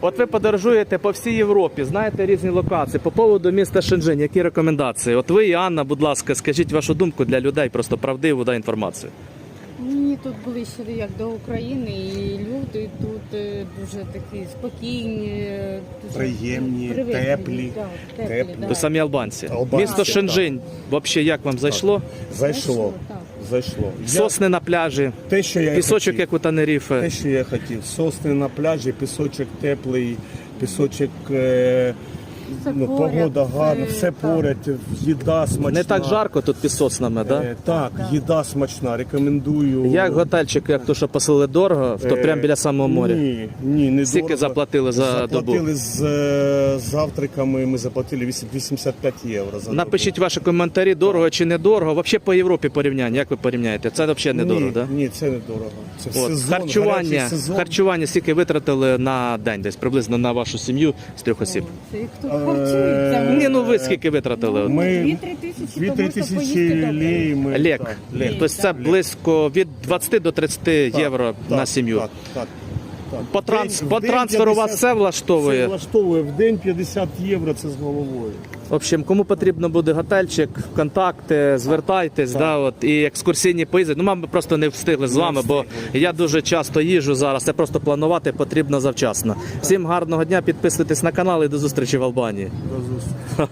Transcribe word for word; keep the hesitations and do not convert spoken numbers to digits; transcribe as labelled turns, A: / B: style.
A: От ви подорожуєте по всій Європі, знаєте різні локації. По поводу міста Шенжень, які рекомендації? От ви і Анна, будь ласка, скажіть вашу думку для людей, просто правдиву да, інформацію.
B: Мені тут ближче як до України, і люди тут е, дуже такі спокійні, дуже
C: Приємні,
B: привітні.
C: теплі,
B: Так, теплі,
C: теплі.
B: да.
A: Ви самі албанці.
C: Албанці,
A: Місто
C: так.
A: Шенжень, взагалі, як вам зайшло?
C: Зайшло.
B: Так.
C: Зайшло. Я-
A: Сосни на пляжі,
C: те, що я і
A: пісочок,
C: хотів.
A: як у Тенеріфе.
C: Те, що я хотів. Сосни на пляжі, пісочок теплий, пісочок, е,
B: Все
C: ну,
B: поряд,
C: погода гарна,
B: все
C: все
B: так.
C: поряд, їда смачна.
A: Не так жарко тут під соснами, так?
C: Е, так, їда смачна, рекомендую.
A: Як готельчик, як то, що поселили дорого, то
C: Е,
A: прямо біля самого моря.
C: Ні, ні, не
A: Скільки
C: дорого.
A: заплатили за добу?
C: Заплатили з е, завтраками, ми заплатили вісім- вісімдесят п'ять євро за
A: Напишіть
C: добу.
A: ваші коментарі, дорого чи недорого. Взагалі по Європі порівняння, як ви порівняєте? Це взагалі недорого,
C: ні,
A: так?
C: ні, це не дорого. Це в
A: От.
C: сезон,
A: Харчування,
C: гарячий сезон.
A: харчування скільки витратили на день десь, приблизно на вашу сім'ю з трьох осіб?
B: Це їх тут харчуються.
A: Ні, ну ви скільки витратили?
C: Ми
B: Дві-три тисячі,
C: дві-три
B: то можна
C: тисячі
B: поїсти добре.
C: лей. Ми,
A: Лек.
C: так, лек.
A: Тобто це близько від двадцяти до тридцяти
C: Так,
A: євро
C: так,
A: на сім'ю.
C: Так, так, так.
A: По,
C: В
A: транс...
C: день-
A: по
C: в день
A: трансферу вас
C: п'ятдесят
A: все влаштовує?
C: Все влаштовує. В день п'ятдесят євро, це з головою.
A: В общем, кому потрібно буде готельчик, контакти, звертайтесь, да, от, і екскурсійні поїзди. Ну, ми просто не встигли з вами, бо я дуже часто їжджу зараз, це просто планувати потрібно завчасно. Всім гарного дня, підписуйтесь на канал і до зустрічі в Албанії.
C: До зустрічі.